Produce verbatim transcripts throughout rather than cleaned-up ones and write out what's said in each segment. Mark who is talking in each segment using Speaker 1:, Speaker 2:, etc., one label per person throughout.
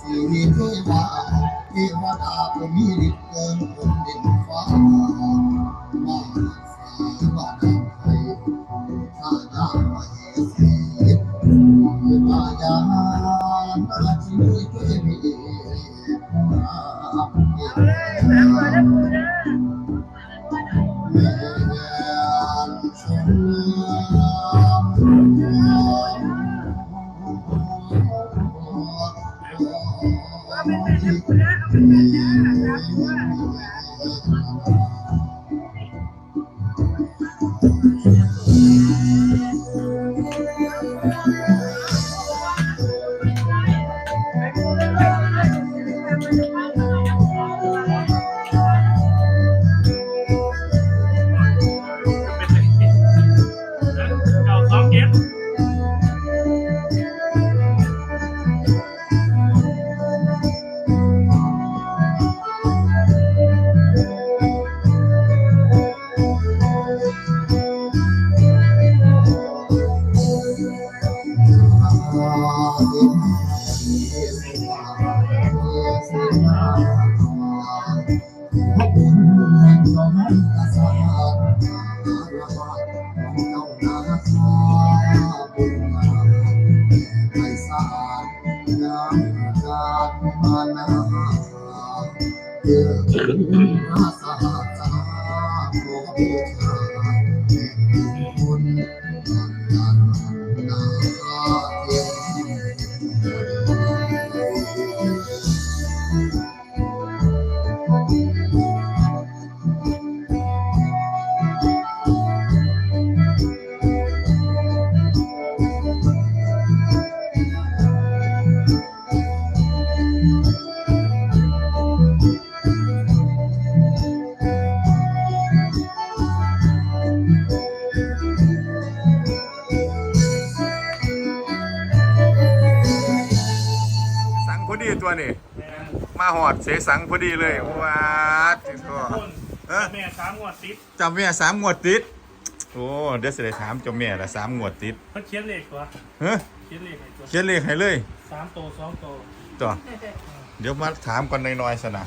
Speaker 1: สีเทวาเทวดาผู้มีฤทธิ์เกินคนดินฟ้ามาสาบาดาไทยข้าดามเหสีมายานาชีวิตเทวีนาเ
Speaker 2: สังพอดีตัวนี้มาหอดเสสังพอดีเลยว้าจิก็เออ
Speaker 3: แม่สามงวดติด
Speaker 2: จำแม่สามงวดติดโอ้เดี๋ยวจะได้ถามเจ้าแม่ละสามงวดติด
Speaker 3: เขาเขียนเลขตัว
Speaker 2: เฮ้ย
Speaker 3: เขียนเลขให้ตัว
Speaker 2: เขียนเลขให้เลย
Speaker 3: สามโตสองโต
Speaker 2: ต่อเดี๋ยวมาถามกันน้อยๆสนะ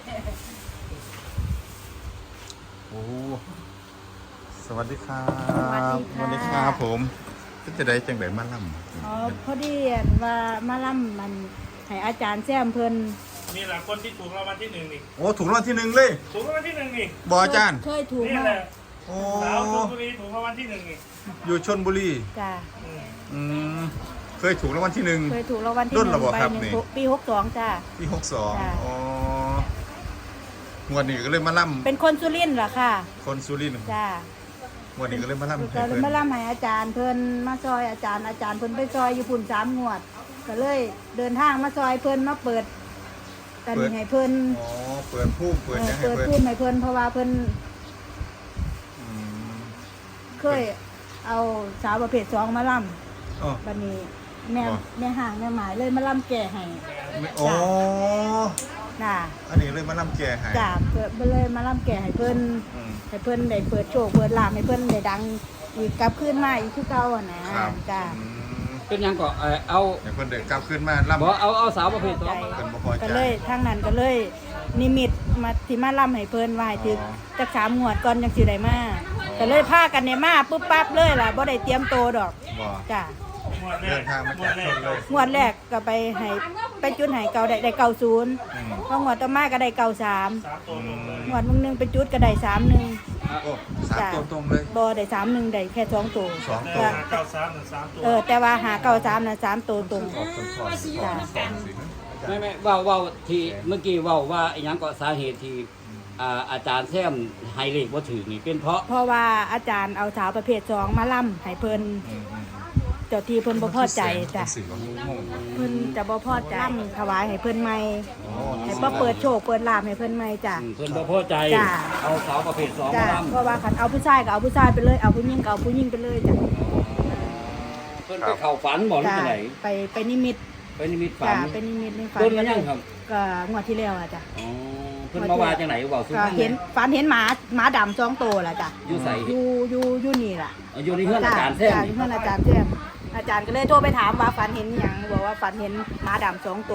Speaker 2: โอ้สวัสดีครับสวัสดีครับผมจะได้จังไดมาล่ำ
Speaker 4: อ๋อพอดีว่ามาล่ำมันให้อาจารย์แซมเพิ่น
Speaker 3: นี่แหละคนที่ถูกรางวัลที่หนึ่งนี่
Speaker 2: โอ้ถูกรางวัลที่หนึ่งเลย
Speaker 3: ถูกรางวัลที่หนึ่งนี่
Speaker 2: บออาจารย์
Speaker 4: เคยถูก
Speaker 3: นี่
Speaker 4: มา
Speaker 3: แหละ
Speaker 2: โอ้
Speaker 3: สาวชลบุรีถูกรางวัลที่หนึ่งนี่
Speaker 2: อยู่ชนบุรี
Speaker 4: จ้ะ
Speaker 3: อืม
Speaker 2: อืมเคยถูกรางวัลที่หนึ่ง
Speaker 4: เคยถูกรางวัลที่
Speaker 2: รุ่น
Speaker 4: ห
Speaker 2: ระ
Speaker 4: นึ่ง
Speaker 2: บบ
Speaker 4: ใบ
Speaker 2: ครับ
Speaker 4: หนึ่ง
Speaker 2: นี่
Speaker 4: ปีหกสองจ้ะ
Speaker 2: ปีหกสอง
Speaker 4: จ้ะ
Speaker 2: อ๋อ งวดนี้ก็เลยมาล่
Speaker 4: เป็นคนสุรินทร์เหรอค่ะ
Speaker 2: ำคนสุรินทร์
Speaker 4: จ้ะ
Speaker 2: งวดนี้ก็เลยมาล่ำให้
Speaker 4: ก็เลย
Speaker 2: เพิ่น
Speaker 4: มาล่ำให้อาจารย์เพิ่นมาซอยอาจารย์อาจารย์เพิ่นไปซอยอยู่พุ่นสามงวด ก็เลยเดินทางมาซอยเพิ่นมาเปิดกันให้เพิ่น
Speaker 2: อ๋อ เปิดผู้เปิด
Speaker 4: เออ
Speaker 2: ยังให้
Speaker 4: เปิด
Speaker 2: เพิ่น
Speaker 4: พูดให้เพิ่นเพราะว่าเพิ่น
Speaker 2: อืม
Speaker 4: เคยเอาสาวประเภทสองมาล่
Speaker 2: อ๋อ
Speaker 4: ำบัดนี้แม่
Speaker 2: อ๋อ
Speaker 4: แม่ห่างแม่หมายเลยมาล่ำแก่ให้
Speaker 2: ไม่อ๋อ
Speaker 4: น่ะ
Speaker 2: อันนี้เลยมาล่ำแก่ให้
Speaker 4: จ้าเปิดไปเลยมาล่ำแก่ให้เพิ่น
Speaker 2: อืม
Speaker 4: ให้เพิ่นได้เปิดโชคเปิดลาภให้เพิ่นได้ดังอีกกลับคืนมาอีกคือเก่าอ่ะนะครับ จ้า
Speaker 2: อืม
Speaker 5: เป็นหยังก็เอ่อเอา
Speaker 2: เดี๋ยวเพิ่นเดินกลับขึ้นมาล่ำ
Speaker 5: บอกเอาเอาสาวประเภทสอง
Speaker 4: ใจ
Speaker 5: มา
Speaker 2: เพิ่นบ่พอใจ
Speaker 4: ก็เลยทางนั้นก็เลย นิมิตมาที่มาล่ำให้เพิ่นว่าให้ถึก
Speaker 2: อ๋อ
Speaker 4: จักสามงวดก่อนจังสิได้มาก็เลยพากันเนี่ยมาปุ๊บปั๊บเลยล่ะบ่ได้เตรียมโตวดอก
Speaker 2: บ่
Speaker 4: จ้า
Speaker 3: งวดแร
Speaker 2: เดิ
Speaker 3: ก
Speaker 2: นทางมาง
Speaker 3: ว
Speaker 2: จาก
Speaker 3: ดแร
Speaker 2: ช
Speaker 3: ก
Speaker 2: นเลย
Speaker 4: งวดแรกก็ไปให้ไปจุดให้เก่าได้ได้เก่าศูนย์
Speaker 2: อืม
Speaker 4: พองวดต่อมาก็ได้เก่าสาม
Speaker 3: สามโตตรงเลย
Speaker 4: งวดมึงหนึงไปจุดก็ได้สามหนึ่ง
Speaker 2: โอ้สามตัวตรงเลย
Speaker 4: บ่ได้สามหนึ่งได้แค่สองตัว
Speaker 2: สอง
Speaker 3: แต่
Speaker 2: ตัว
Speaker 3: หาเก้าสามหนึ่งสามตัว
Speaker 4: เออแต่ว่าหาเก้าสามนะสามตัวตรง
Speaker 2: ออกคนสอนสอนสอนสิ
Speaker 5: ไม่ไม่เว่าเว่าที่เมื่อกี้เว่าว่าอหยังก็สาเหตุที่อ่าอาจารย์แซมไฮเลขว่าถือนี่เป็นเพราะ
Speaker 4: เพราะว่าอาจารย์เอาสาวประเภทสองมาล่ำให้เพิ่น
Speaker 2: อืมอืม
Speaker 4: เจ้าที่เพิ่นบ่พอใจจ้ะ
Speaker 2: สิว่างง
Speaker 4: เพิ่นจะบ่พอใจล่ำถวายให้เพิ่นใหม่
Speaker 2: ๆอ๋อ
Speaker 4: ให้บ่เปิดโชคเปิดลาภให้เพิ่นใหม่จ้ะ
Speaker 5: อืมเพิ่นบ่พอใจ
Speaker 4: จ้ะ
Speaker 5: เอาสาวประเภทสอง
Speaker 4: จ้ะ
Speaker 5: มา
Speaker 4: เพราะว่าคันเอาผู้ชายก็เอาผู้ชายไปเลยเอาผู้หญิงก็เอาผู้หญิงไปเลยจ้ะ
Speaker 5: เพิ่นไปเข้าฝันบอกหรือ
Speaker 4: จ้ะ
Speaker 5: ที่ไหน
Speaker 4: ไปไปนิมิต
Speaker 5: ไปนิมิตฝั
Speaker 4: จ้ะ
Speaker 5: น
Speaker 4: ไปนิมิตในฝัน
Speaker 5: เพิ่นมายังครับ
Speaker 4: ก็งวดที่แล้วอ่ะจ้ะ
Speaker 5: อ๋อเพิ่นมาว่าจังไหนบอกสุ
Speaker 4: ก็
Speaker 5: ภาพ
Speaker 4: เห็นฝันเห็นหมาหมาดำสองตัวล่ะจ้ะ
Speaker 5: อยู่ใส่
Speaker 4: อยู่อยู่อยู่นี่ล่ะ
Speaker 5: อยู่ในเฮือนอาจารย์แซม
Speaker 4: จ้ะ
Speaker 5: นี่
Speaker 4: เพื่อนอาจารย์แจ้มอาจารย์ก็เลยโทรไปถามว่าฝันเห็นอหย่างบอกว่าฝันเห็นหมาดำสองตัว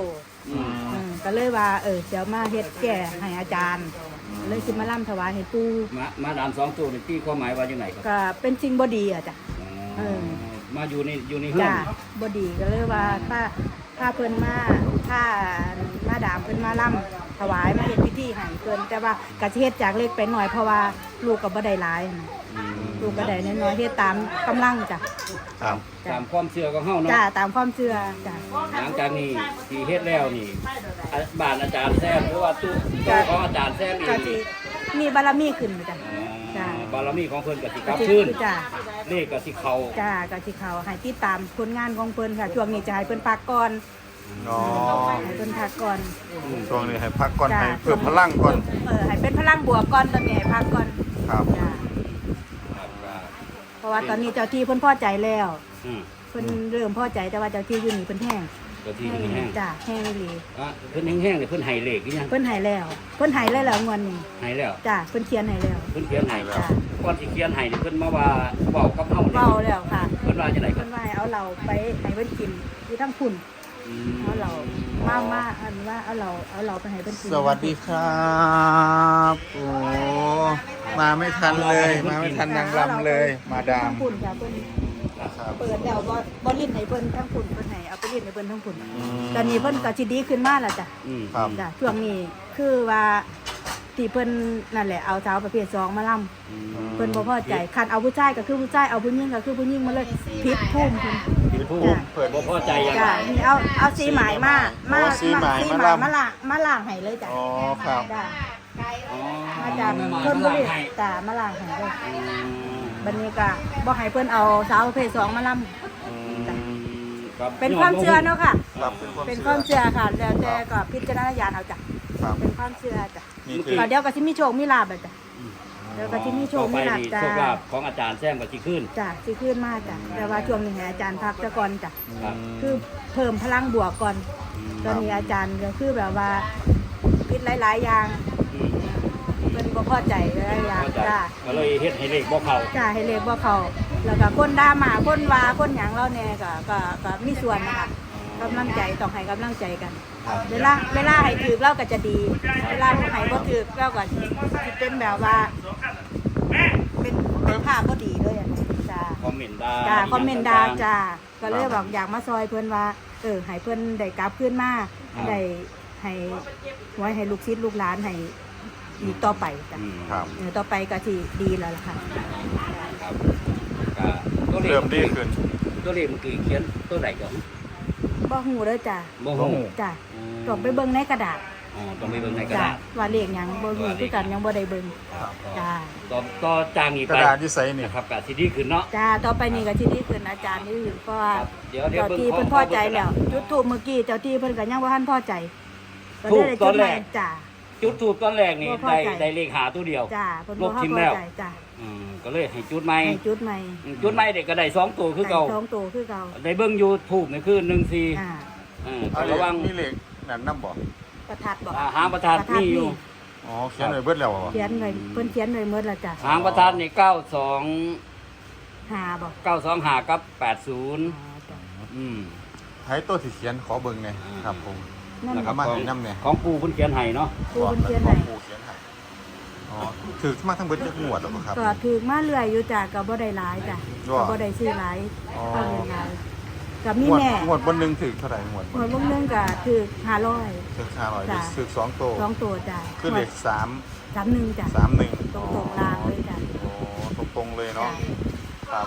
Speaker 5: อืม
Speaker 4: อืมก็เลยว่าเออเดี๋ยวมาเฮ็ดแก่ให้อาจารย์เลยสิมาล่ำถวายให้ปู่
Speaker 5: มามาดามสองตัวนี่ตีความหมายว่าจังไดครับ
Speaker 4: ก็เป็นสิ่งบ่ดีอ่ะจ้ะ เออ
Speaker 5: มาอยู่ในอยู่ในเฮือน
Speaker 4: จ้ะบ่ดีก็เลยว่าถ้าถ้าเพิ่นมาถ้ามาดามเพิ่นมาล่ำถวายมาเฮ็ดพิธีให้เพิ่นแต่ว่าก็สิเฮ็ดจากเล็กไปหน่อยเพราะว่าลูกก็บ่ได้หลายนะ
Speaker 5: อืม
Speaker 4: ลูกก็ได้น้อยๆเฮ็ดตามกำลังจ้ะ
Speaker 2: ครับ
Speaker 5: ตามความเชื่อของเฮาเนาะ
Speaker 4: จ้ะตามความเชื่อจ้ะ
Speaker 5: หลังจากนี้ที่เฮ็ดแล้วนี่อ่ะบ้านอาจารย์แซมหรือว่าตู้ตู้ของอาจารย์แซมนี่
Speaker 4: ก็สิมีบารมีขึ้นจ้ะ จ้ะ
Speaker 5: บารมีของเพิ่นก็สิก
Speaker 4: ก็
Speaker 5: ลับ
Speaker 4: สิ
Speaker 5: ขึ้น
Speaker 4: จ้ะ
Speaker 5: เลขก็สิเข้า
Speaker 4: จ้ะก็สิเขาให้ติดตามผลงานของเพิ่นค่ะช่วงนี้จะให้เพิ่นพักก่อน
Speaker 2: อ๋อ
Speaker 4: ให้เพิ่นพักก่อน
Speaker 2: ช่วงนี้ให้พักก่อน
Speaker 4: จ้ะ
Speaker 2: ให้เพิ่มพลังก่อน
Speaker 4: เออให้เป็นพลังบวกก่อนตอนนี้ให้พักก่อน
Speaker 2: ครับ
Speaker 4: จ้ะ
Speaker 5: ครับก็
Speaker 4: เพราะว่าตอนนี้เจ้าที่เพิ่นพอใจแล้ว
Speaker 5: อืม
Speaker 4: เพิ่นเริ่มพอใจแต่ว่าเจ้าที่อยู่นี่เพิ่นแห้ง
Speaker 5: ก็ที่แห้ง
Speaker 4: จ้ะแห้งอีหลี
Speaker 5: ๆอ่ะเพิ่นแห้งๆนี่เพิ่นให้เลขหรือยัง
Speaker 4: เพิ่นให้แล้วเพิ่นให้แล้วแล้วงวดนี้
Speaker 5: ให้แล้ว
Speaker 4: จ้ะเพิ่นเขียนให้แล้ว
Speaker 5: เพิ่นเขียนให้
Speaker 4: จ้ะ
Speaker 5: ก่อนสิเขียนให้นี่เพิ่นมาว่าเว้ากับเฮานี่
Speaker 4: เว้าแล้วค่ะ
Speaker 5: เพิ่นว่าจังได๋ครั
Speaker 4: เพิ่
Speaker 5: บ
Speaker 4: นว่าให้เอาเราไปให้เพิ่นกินอยู่ทั้งพุ่น
Speaker 5: อืม
Speaker 4: เอาเรามามาอันว่าเอาเราเอาเราไปให้เพิ่นกิน
Speaker 2: สวัสดีครับโอ้มาไม่ทันเลย มาไม่ทันนางรำเลย มาดาม
Speaker 4: ทั้งพุ่นค่ะเพิ่น
Speaker 2: ครับ
Speaker 4: เปิดแล้วบ่บ่ลิ้นให้เพิ่นทั้งพุ่นเพิ่นให้เอาไปลิ้นให้เพิ่นทั้งพุ่น
Speaker 2: อืม
Speaker 4: ตอนนี้เพิ่นก็สิดีขึ้นมาแล้วจ้ะ
Speaker 5: อืม
Speaker 2: ครับ
Speaker 4: จ้ะช่วงนี้คือว่าที่เพิ่นนั่นแหละเอาสาวประเภทสองมาล่ำ
Speaker 5: อืม
Speaker 4: เพิ่นบ่พอใจคันเอาผู้ชายก็คือผู้ชายเอาผู้หญิงก็คือผู้หญิงมาเลยผิดทุ่มเพิ่น
Speaker 5: ผิดผู้
Speaker 4: จ้ะ
Speaker 2: เปิด
Speaker 5: บ่พอใจยัง
Speaker 4: จ้ะนี่เอาเอาสีหมายมามา
Speaker 2: อ๋อสีหมาย
Speaker 4: สี
Speaker 2: มา
Speaker 4: หมาย
Speaker 2: ล่ำ
Speaker 4: มาล่างมาล่างให้เลยจ้ะ
Speaker 2: อ๋อครับ
Speaker 4: จ้ะ
Speaker 5: อ๋อ
Speaker 4: มาจาก
Speaker 5: มา
Speaker 4: เพิ่นบ่
Speaker 5: มา
Speaker 4: ได้
Speaker 5: ให้
Speaker 4: จ้ะมาล่างให้เลย
Speaker 5: อืม
Speaker 4: บัดนี้ก็บ่ให้เพิ่นเอาสาวประเภทสองมาล่ำ
Speaker 2: อืม
Speaker 5: ครับ
Speaker 4: เป็นความเชื่อเนาะค่ะ
Speaker 2: ครับ
Speaker 4: เป็นความเชื่อค่ะแล้วแต่ก็พิจารณญาณเอาจ้ะ
Speaker 2: ครับ
Speaker 4: เป็นความเชื่อจ้ะ
Speaker 2: นี่คือ
Speaker 4: ก็เดี๋ยวก็สิมีโชคมีลาภอะจ้ะเดี๋ยวก็สิมีโชค
Speaker 5: ต่อไป
Speaker 4: มีลาภ
Speaker 5: นี่
Speaker 4: จ้ะ
Speaker 5: โชคลาภของอาจารย์แซมก็สิขึ้น
Speaker 4: จ้ะสิขึ้นมาจ้ะแต่ว่าช่วงนี้ให้อาจารย์พักซะก่อนจ้ะ
Speaker 5: ครับ
Speaker 4: คือเพิ่มพลังบวกก่อน ตอนนี้อาจารย์ก็คือแบบว่าคิดหลาย ๆ อย่าง
Speaker 5: อืม
Speaker 4: เป็นบ่พอใจหลายๆอย่าง
Speaker 5: เข้าใจ
Speaker 4: จ้า
Speaker 5: ก็เลยเฮ็ดให้เลขบ่เข้า
Speaker 4: จ้าให้เลขบ่เขาแล้วก็คนด่ามาคนว่าคนหยังเราแน่ก็ก็ก็มีส่วนนะคะกำลังใจต้องให้กำลังใจกัน
Speaker 5: ครับ
Speaker 4: เวลาเวลาให้ถือเราก็จะดี เวลาให้บ่ถือเราก็สิเป็นแบบว่าเป็นเป็นภาพบ่ดีเลยอ่ะจ้า
Speaker 5: คอมเมนต์ด่า
Speaker 4: จ้าคอมเมนต์ด่าจ้าก็เลยบอกอยากมาซอยเพิ่นว่าเออให้เพิ่นได้กลับขึ้นมาได้ให้ไว้ให้ลูกศิษย์ลูกหลานให้อีกต่อไปจ้ะ
Speaker 5: อืม
Speaker 2: ครับ
Speaker 4: เออต่อไปก็สิดีแล้วล่ะค่ะ
Speaker 5: ครับก็ตัวเลข
Speaker 2: เริ่มดีขึ้น
Speaker 5: ตัวเลขเมื่อกี้เขียนตัวไหนก่อน
Speaker 4: บ่ฮู้เด้อจ้ะ
Speaker 5: บ่
Speaker 2: บ่
Speaker 5: ฮู้
Speaker 2: ฮู้
Speaker 4: จ้ะต้องไปเบิ่งในกระดาษ
Speaker 5: อ๋อต้องไปเบิ่งในกระ
Speaker 4: จ้ะ
Speaker 5: ดาษ
Speaker 4: ว่าเลขหยังบ่ฮู้คือกันยังบ่ได้เบิ่ง
Speaker 5: ครับ
Speaker 4: จ้า
Speaker 5: ต่อต่อจางอีก
Speaker 2: ก
Speaker 5: ไประ
Speaker 2: ดาษที่ใส่นี่
Speaker 5: นะครับก็สิดีขึ้นเนาะ
Speaker 4: จ้าต่อไปนี่ก็สิดีขึ้นอาจารย์นี่เพราะว่า
Speaker 5: ครับเดี๋ยวเดี๋ยว
Speaker 4: เจ้า
Speaker 5: เบิ่ง
Speaker 4: ที่
Speaker 5: ขอ
Speaker 4: เพิ่น
Speaker 5: ข
Speaker 4: พ
Speaker 5: อ
Speaker 4: อใจ
Speaker 5: เบิ่งกระ
Speaker 4: แล้
Speaker 5: ดาว ษ
Speaker 4: จุดทูปเมื่อกี้เจ้าที่เพิ่นก็ยังบ่ทันพอใจก็
Speaker 5: ทู
Speaker 4: เลย
Speaker 5: ป
Speaker 4: ได้
Speaker 5: ต
Speaker 4: จุ
Speaker 5: อน
Speaker 4: ด
Speaker 5: แร
Speaker 4: ใหม่
Speaker 5: ก
Speaker 4: จ้า
Speaker 5: จุดทูบตอนแรกนี่
Speaker 4: บ่พอ
Speaker 5: ได้
Speaker 4: ใจ
Speaker 5: ได้เลขหาตัวเดียว
Speaker 4: จ้าเพิ่น
Speaker 5: ล
Speaker 4: บ่
Speaker 5: บ
Speaker 4: ทั
Speaker 5: ทิ
Speaker 4: น
Speaker 5: ม
Speaker 4: พอ
Speaker 5: แล้ว
Speaker 4: ใจจ้า
Speaker 5: อืมก็เลยให้จุดใหม่
Speaker 4: ให้จุดใหม่
Speaker 5: อืมจุดใหม่เด็กก็ได้สองตัวคือเก่า
Speaker 4: ให้สองตัวคือเก่า
Speaker 5: ได้เบิ่งยูทูบนี่คือหนึ่งสี่
Speaker 4: อ่า
Speaker 5: อืม
Speaker 2: เอา
Speaker 5: ระวัง
Speaker 2: มีเหล็กนั่นน้ำบ่
Speaker 4: ประทัดบ่
Speaker 5: อ่าหางประทัดนี่อยู่
Speaker 2: อ๋อเขียนไว้เบิดแล้วบ่
Speaker 4: เขียนไว้เพิ่นเขียนไว้หมดแล้วจ้ะ
Speaker 5: หางประทัดนี่เก้าสอง
Speaker 4: หาบ่
Speaker 5: เก้าสองหากับแปดศูนย์
Speaker 4: อ๋อจ้ะ
Speaker 5: อืม
Speaker 2: ไผตัวที่เขียนขอเบิ่งหน่อยครับผม
Speaker 4: นั่น
Speaker 2: แล้วก็
Speaker 4: น่ะ
Speaker 2: มาให้น้ำเนี่ย
Speaker 5: ของปูเพิ่นเขียนให้เนาะ
Speaker 4: ครูเพิ่นเขียนให้
Speaker 2: ครูเขียนให้อ๋อถือมาทั้งเบิดจักงวดแล้วบ่ครับ
Speaker 4: ก็ถือมาเรื่อยอยู่จ้ะก็บ่ได้หลายจ้ะ
Speaker 2: ว่า
Speaker 4: ก็บ่ได้ซื้อหลาย
Speaker 2: อ๋อ
Speaker 4: ก็เรียนหลายกับมี
Speaker 2: งวด
Speaker 4: แม่
Speaker 2: งวดบนหนึงถือเท่าไหร่งวด
Speaker 4: หวยวงหนึงก็ถือห้าร้อย
Speaker 2: ถือห้าร้อย
Speaker 4: จ้ะ
Speaker 2: ถือสองโต
Speaker 4: สองตัวจ้ะ
Speaker 2: คือเลขสาม
Speaker 4: สามหนึ่งจ้ะ
Speaker 2: สามหนึ่ง
Speaker 4: ตรงตรงๆลางเลยจ้ะ
Speaker 2: อ๋อตรงๆเลยเนาะครับ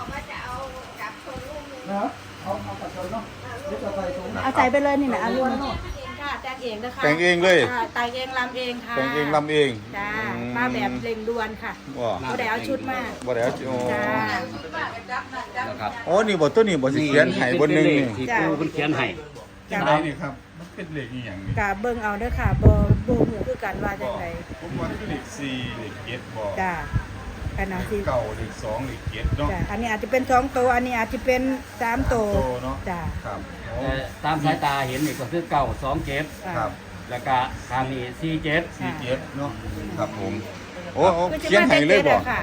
Speaker 4: เอาใส่ไปเลยนี่นะเอาลุงค่ะแต่งเองนะคะ
Speaker 2: แต่งเองเลย
Speaker 4: ค่ะแต่งเองลำเองค่ะ
Speaker 2: แต่งเองลำเอง
Speaker 4: จ้า
Speaker 2: อื
Speaker 4: มาแบบเร่งด่วนค่ะ
Speaker 2: ว่า
Speaker 4: บ่ได้เอาชุดมา
Speaker 2: บ่ได้เอาจิโอ้
Speaker 4: จ้า
Speaker 5: นะครับ
Speaker 2: โอ้นี่บ่ตัวนี้บ่สิเขียนให้บนหนึงนี่
Speaker 5: ที่
Speaker 4: จ้ะ
Speaker 5: ปูเพิ่นเขียนให้
Speaker 4: จ้า
Speaker 2: ได้นี่ครับมันเป็นเลขอีหยังนี่
Speaker 4: กะเบิ่งเอาเด้อค่ะบ่บ่ฮู้คือกันว่าจังได
Speaker 2: ผมว่าคือเลขสี่เลขเจ็ดบ่
Speaker 4: จ้าอันนั้นสิ
Speaker 2: เก้าเลขสองเลขเจ็ดเนาะ
Speaker 4: จ้าอันนี้อาจจะเป็นสองตัวอันนี้อาจจะเป็นสามตัว
Speaker 2: โตเนาะ
Speaker 4: จ้า
Speaker 2: ครับโอ้
Speaker 5: แต่ตามสายตาเห็นนี่ก็คือเก้าสองเจ็ด
Speaker 2: ครับ
Speaker 5: แล้วก็ทางนี้สี่เจ็ด
Speaker 2: สี่เจ็ดเนาะครับผมโอ้โอ้
Speaker 4: คือจะ
Speaker 2: เขียน
Speaker 4: มา
Speaker 2: ให้
Speaker 4: เป็น
Speaker 2: เลย
Speaker 4: เจ็ด
Speaker 2: บ่
Speaker 4: อะค่ะ
Speaker 2: เ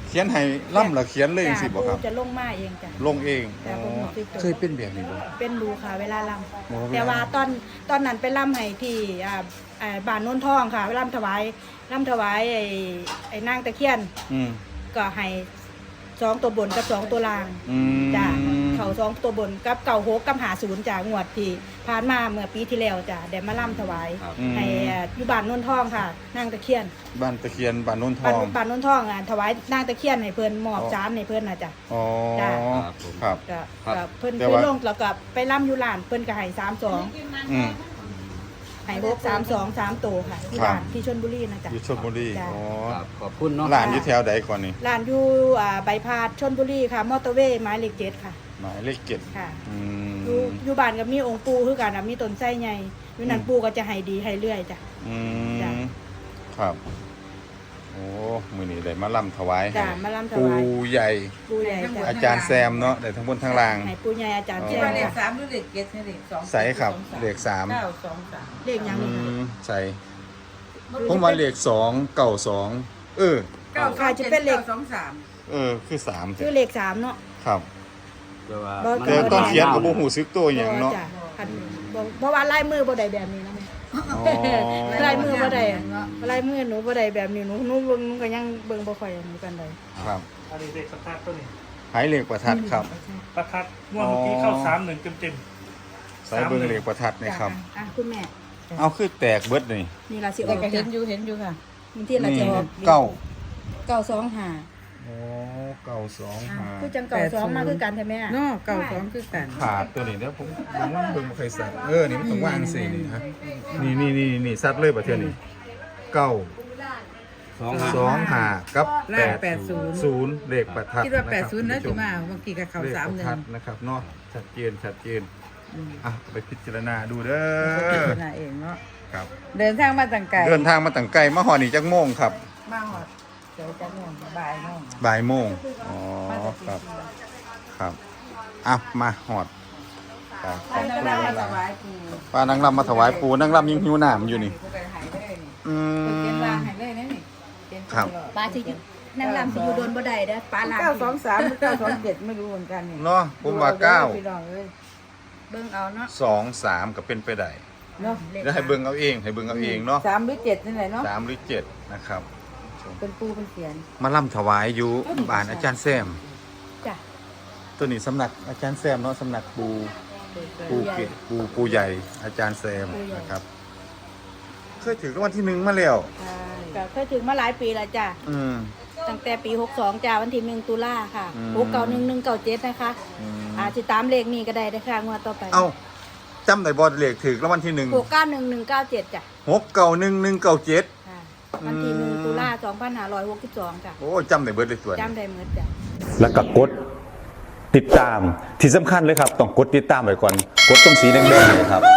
Speaker 2: เขียนให้ล่ำหรือเขียนเลยจังซี่บ่ครับ
Speaker 4: จ้ะจะลงมาเองจ้ะ
Speaker 2: ลงเอง
Speaker 4: แต่ผมบ่ติดตัว
Speaker 2: เคยเป็นแบบนี้บ่
Speaker 4: เป็นรูค่ะเวลาล
Speaker 2: โอ้
Speaker 4: ำแต่ว่าตอนตอนนั้นไปลำให้ที่อ่าอ่าบ้านโน้นทองค่ะไปลำถวายลำถวายไอ้ไอ้นางตะเคียน
Speaker 2: อืม
Speaker 4: ก็ให้สองตัวบนกับสองตัวล่าง
Speaker 2: อืม
Speaker 4: จ้ะเขาสองตัวบนกับเก่าหกกับหาศูนย์จ้ะงวดที่ผ่านมาเมื่อปีที่แล้วจ้ะได้มาล่ำถวาย
Speaker 5: ครับ
Speaker 4: ให้อ่าอยู่บ้านโน้นทองค่ะนางตะเคียน
Speaker 2: บ้านตะเคียนบ้านโนนท
Speaker 4: บ้าน
Speaker 2: อง
Speaker 4: บ้านโน้นทองอ่ะถวายนางตะเคียนให้เพิ่นมอบจานให้เพิ่นน่ะจ้ะ
Speaker 2: อ๋อ
Speaker 4: จ้ะ
Speaker 5: ครับผม
Speaker 2: ครับ
Speaker 4: ก็
Speaker 5: ครับ
Speaker 4: ก็เพิ่น
Speaker 2: แต่
Speaker 4: เพิ่น
Speaker 2: ว่า
Speaker 4: ลงแล้วก็ไปล่ำอยู่ร้านเพิ่นก็ให้สามสอง
Speaker 2: อืม
Speaker 4: ให้หกสามสองสามโตวค่ะที่
Speaker 2: ครับ
Speaker 4: ร้านที่ชลบุรีนะจ๊ะ
Speaker 2: อยู่ชลบุรี
Speaker 4: จ้ะ
Speaker 2: อ๋อ
Speaker 5: ครับขอบคุณเนาะ
Speaker 2: ร้านอยู่แถวใดก่อนนี่
Speaker 4: ร้านอยู่อ่าใบพาดชลบุรีค่ะ มอเตอร์เวย์หมายเลขเจ็ดค่ะ
Speaker 2: หมายเลขเจ็ด
Speaker 4: ค่ะ
Speaker 2: อืม
Speaker 4: อยู่อยู่บ้านก็มีองค์ปู่คือกันน่ะมีต้นไทรใหญ่อยู่นั่นปู่ก็จะให้ดีให้เรื่อยจ้ะ
Speaker 2: อื
Speaker 4: จ้ะ
Speaker 2: มครับ โอ้มื้อนี้ได้มาล่ำถวายให้
Speaker 4: จ้ะมาล่ำถ
Speaker 2: ปู่
Speaker 4: วาย
Speaker 2: ใหญ่
Speaker 4: ปู่ใหญ่จ้ะ
Speaker 2: อาจารย์แซมเนาะได้ทั้งบนทั้งล่าง
Speaker 4: ให้ปู่ใหญ่อาจารย์
Speaker 2: อ๋อ
Speaker 4: แจ้
Speaker 6: ที่
Speaker 4: ง
Speaker 6: ว่าเลข
Speaker 4: ค่ะ
Speaker 6: สามหรือเลขเจ็ดเนี่ยเลขสอง
Speaker 2: ใส่ครับเลขสาม
Speaker 6: เก้าสองสาม
Speaker 4: เลขหยัง
Speaker 2: อื
Speaker 4: นี่ค่ะ
Speaker 2: มใส่ผมว่าเลขสองเก้าสองเออ
Speaker 6: เก้าสองเจ็ดเก้าสองสาม
Speaker 2: เออคือสาม
Speaker 4: คือเลขสามเนาะ
Speaker 2: ครับ
Speaker 5: แต่ว่า
Speaker 4: บ่
Speaker 2: แต่ตอนเขียนก็บ่ฮู้สึกตัวหยังเนาะ
Speaker 4: จ้ะคันบ่เพราะว่าลายมือบ่ได้แบบนี้นะแม่
Speaker 2: อ๋อ
Speaker 4: ลายมือบ่ได้อะลายมือหนูบ่ได้แบบนี้หนูหนูเบิ่งหนูก็ยังเบิ่งบ่ค่อยอันนี้ปานใด
Speaker 2: ครับ
Speaker 3: อันนี้เด็กประทัดตัวนี้
Speaker 2: หายเลขประทัดครับ
Speaker 3: ประทัดงวดเมื่อกี้เข้าสามหนึ่งเต็ม
Speaker 2: ใส่เบิ่งเลขประทัดนี่ครับ
Speaker 4: อ่ะคุณแม่
Speaker 2: เอาคือแตกเบิดนี่
Speaker 4: นี่ล่ะสิอ
Speaker 6: แต่
Speaker 4: อก
Speaker 6: ก็เห็
Speaker 4: จ้ะ
Speaker 6: นอยู่เห็นอยู่ค่ะ
Speaker 4: มีที่ล่ะสิออก
Speaker 2: เก้า
Speaker 4: เก้าสองห้า
Speaker 2: โอ้เก้าสอง
Speaker 4: อ่ะ
Speaker 2: ห้า
Speaker 4: คือจังเก้าสองมาคือกันแท้แม่
Speaker 6: เนาะเก้าสองคือกัน
Speaker 2: ขาดตัวนี้เดี๋ยวผมผมว่าเบิ่งบ่เคยสัตว์เออนี่มันต้องวางสินี่ฮะนี่นี่นี่นี่สัตว์เลยประเทศนี้เก้า
Speaker 5: สองห้า
Speaker 2: สองห้ากับ
Speaker 6: ล่างแปดศูนย์
Speaker 2: ศูนย์เลขประทัด
Speaker 6: คิดว่าแปดศูนย์
Speaker 2: นะ
Speaker 6: นะจุมาเมื่อกี้กับเขา
Speaker 2: เลข
Speaker 6: สาม
Speaker 2: ประ
Speaker 6: หนึ่
Speaker 2: ทั
Speaker 6: ง
Speaker 2: ดนะครับเนาะชัดเจนชัดเจน
Speaker 6: อืม
Speaker 2: อ่ะไปพิจารณาดูเด้
Speaker 6: พิ
Speaker 2: อ
Speaker 6: จารณาเองเนาะ
Speaker 2: ครับ
Speaker 6: เดินทางมาต่างไกล
Speaker 2: เดินทางมาตั้งไกลมาหอนี่จักโมงครับ
Speaker 6: มาหอดเดี๋ยวจะง่วงบ่ายง่วง
Speaker 2: บ่ายโมงอ๋อครับครับอ่ะมาหอดครับ
Speaker 6: ไปนั่งรับมาถวายปู่
Speaker 2: ป้านางรำมาถวายปูนางรำยังหิวน้ำอยู่นี่
Speaker 6: ผู้ใดหายได้นี่
Speaker 2: อื
Speaker 6: เพิ่นเขียน
Speaker 2: ม
Speaker 6: วางให้เลยนะนี่เขียน
Speaker 2: ครับ
Speaker 4: ปลาสิอยู่นางรำสิอยู่โดนบ่ได้เด้อปลาลาม
Speaker 6: เก้าสองสามหรือเก้าสองเจ็ดไม่รู้เหมือนกันนี่
Speaker 2: เนาะผมว่าเก้า
Speaker 6: พี่น้องเอ้ย
Speaker 4: เบิ่งเอาเนาะ
Speaker 2: สองสามก็เป็นไปได้
Speaker 6: เนาะ
Speaker 2: แล้วให้เบิ่งเอาเองให้เบิ่งเอาเองเนาะ
Speaker 6: สามหรือเจ็ดนี่แหละเนาะ
Speaker 2: สามหรือเจ็ดนะครับ
Speaker 6: เป็นปูเป็นเขียน
Speaker 2: มาล่ำถวายอยู่บ้านอาจารย์แซม
Speaker 4: จ้ะ
Speaker 2: ตัวนี้สำนักอาจารย์แซมเนาะสำนักปูปูเกตปูปูใหญ่ อาจารย์แซมนะครับเคยถือรางวัลที่หนึ่งมาแล้ว
Speaker 6: ใช่
Speaker 4: ก็เคยถึงมาหลายปีแล้วจ้ะ
Speaker 2: อืม
Speaker 4: ตั้งแต่ปีหกสองจ้ะวันที่หนึ่งตุลาค่ะ
Speaker 2: อืม
Speaker 4: หกเก้าหนึ่งหนึ่งเก้าเจ็ดนะคะ
Speaker 2: อืม
Speaker 4: อาจจะตามเลขนี้ก็ได้นะคะงวดต่อไป
Speaker 2: เอ้าจำได้บอลเลขถือรางวัลที่หนึ่ง
Speaker 4: หกเก้าหนึ่งหนึ่งเก้าเจ็ดจ้ะ
Speaker 2: หกเก้าหนึ่งหนึ่งเก้าเจ็ด
Speaker 4: ค่ะวันที่หนึ่ง
Speaker 2: อืม
Speaker 4: ตุลาสองพันห้าร้อยหกสิบสองจ้ะ
Speaker 2: โอ้จำได้เบิดเลยตัวนี้
Speaker 4: จำได้หมดจ้ะ
Speaker 7: แล้วก็กดติดตามที่สำคัญเลยครับ ต้องกดติดตามไว้ก่อน กดตรงสีแดงๆเลยครับ